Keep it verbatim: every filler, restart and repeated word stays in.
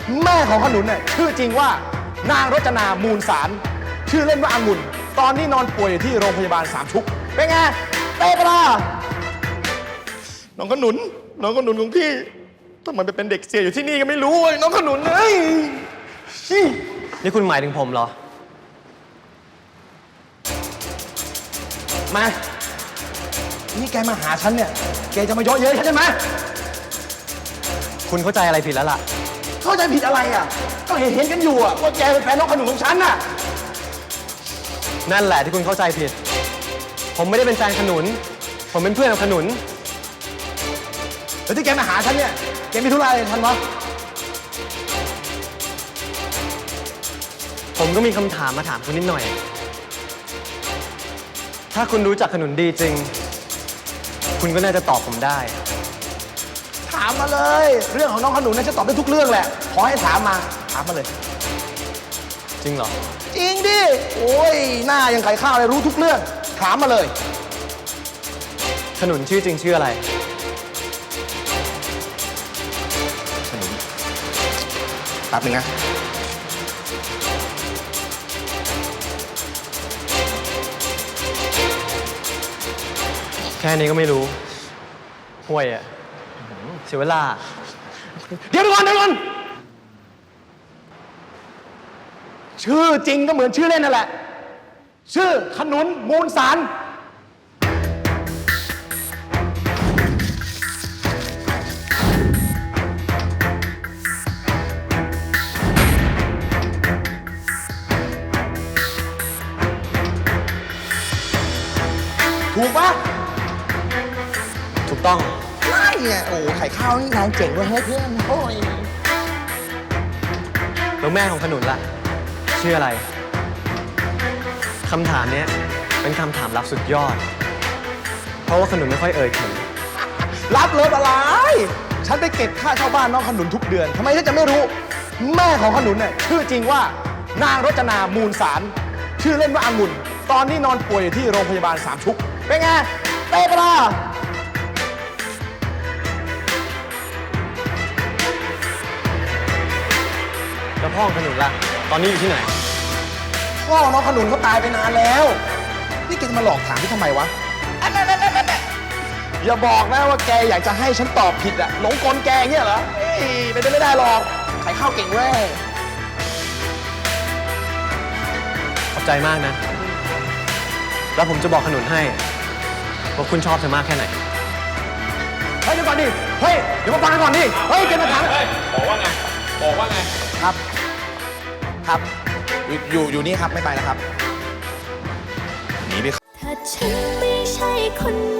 แม่ของขนุนเนี่ยชื่อจริงว่านางรจนามูลสารชื่อเล่นว่าองุ่นตอนนี้นอนป่วยอยู่ที่โรงพยาบาลสามชุกเป็นไงเป๊ะปะล่ะน้องขนุนน้องขนุนของพี่ทำไมไปเป็นเด็กเสียอยู่ที่นี่ก็ไม่รู้น้องขนุนเอ้ยนี่คุณหมายถึงผมเหรอมานี่แกมาหาฉันเนี่ยแกจะมาเยาะเย้ยฉันใช่ไหมคุณเข้าใจอะไรผิดแล้วล่ะเข้าใจผิดอะไรอ่ะก็เห็นเห็นกันอยู่อ่ะว่าแกเป็นแฟนน้องขนุนของฉันน่ะนั่นแหละที่คุณเข้าใจผิดผมไม่ได้เป็นแฟนขนุนผมเป็นเพื่อนกับขนุนแล้วที่แกมาหาฉันเนี่ยแกมีธุระอะไรฉันวะผมก็มีคำถามมาถามคุณนิดหน่อยถ้าคุณรู้จักขนุนดีจริงคุณก็น่าจะตอบผมได้ถามมาเลยเรื่องของน้องขนุนน่าจะตอบได้ทุกเรื่องแหละขอให้ถามมาถามมาเลยจริงเหรอจริงดิโอ้ยหน้ายังไข่ข้าวเลยรู้ทุกเรื่องถามมาเลยขนุนชื่อจริงชื่ออะไรขนุนแป๊บนึงนะแค่นี้ก็ไม่รู้ห่วยอะเสียเวลาเดี๋ยวก่อนเดี๋ยวก่อนชื่อจริงก็เหมือนชื่อเล่นนั่นแหละชื่อขนุนมูลสารถูกปะถูกต้องใช่ไงโอ้ไข่ข้าวนี่นายเจ๋งเว้ยเพื่อนโอ้ยแล้วแม่ของขนุนล่ะชื่ออะไรคำถามนี้เป็นคำถามลับสุดยอดเพราะว่าขนุนไม่ค่อยเอ่ยถึงรับเลยอะไรฉันไปเก็บค่าเช่าบ้านน้องขนุนทุกเดือนทำไมฉันจะไม่รู้แม่ของขนุนเนี่ยชื่อจริงว่านางรจนามูลสารชื่อเล่นว่าองุ่นตอนนี้นอนป่วยอยู่ที่โรงพยาบาลสามชุกเป็นไงเป๊ะปะล่ะแล้วพ่อของขนุนล่ะตอนนี้อยู่ที่ไหนพ่อน้องขนุนเขาตายไปนานแล้วนี่แกจะมาหลอกถามที่ทำไมวะอันนั้นนั่นนั่นอย่าบอกนะว่าแกอยากจะให้ฉันตอบผิดอะหลงกลแกเงี้ยเหรอไม่ได้ไม่ได้หรอกขายข้าวเก่งเว้ยขอบใจมากนะแล้วผมจะบอกขนุนให้ว่าคุณชอบเธอมากแค่ไหนเฮ้ยเดี๋ยวก่อนดิเฮ้ยเดี๋ยวมาฟังกันก่อนดิเฮ้ยแกมาถามบอกว่าไงบอกว่าไงครับครับอยู่อยู่อยู่นี่ครับไม่ไปแล้วครับหนีไปถ้าฉันไม่ใช่คน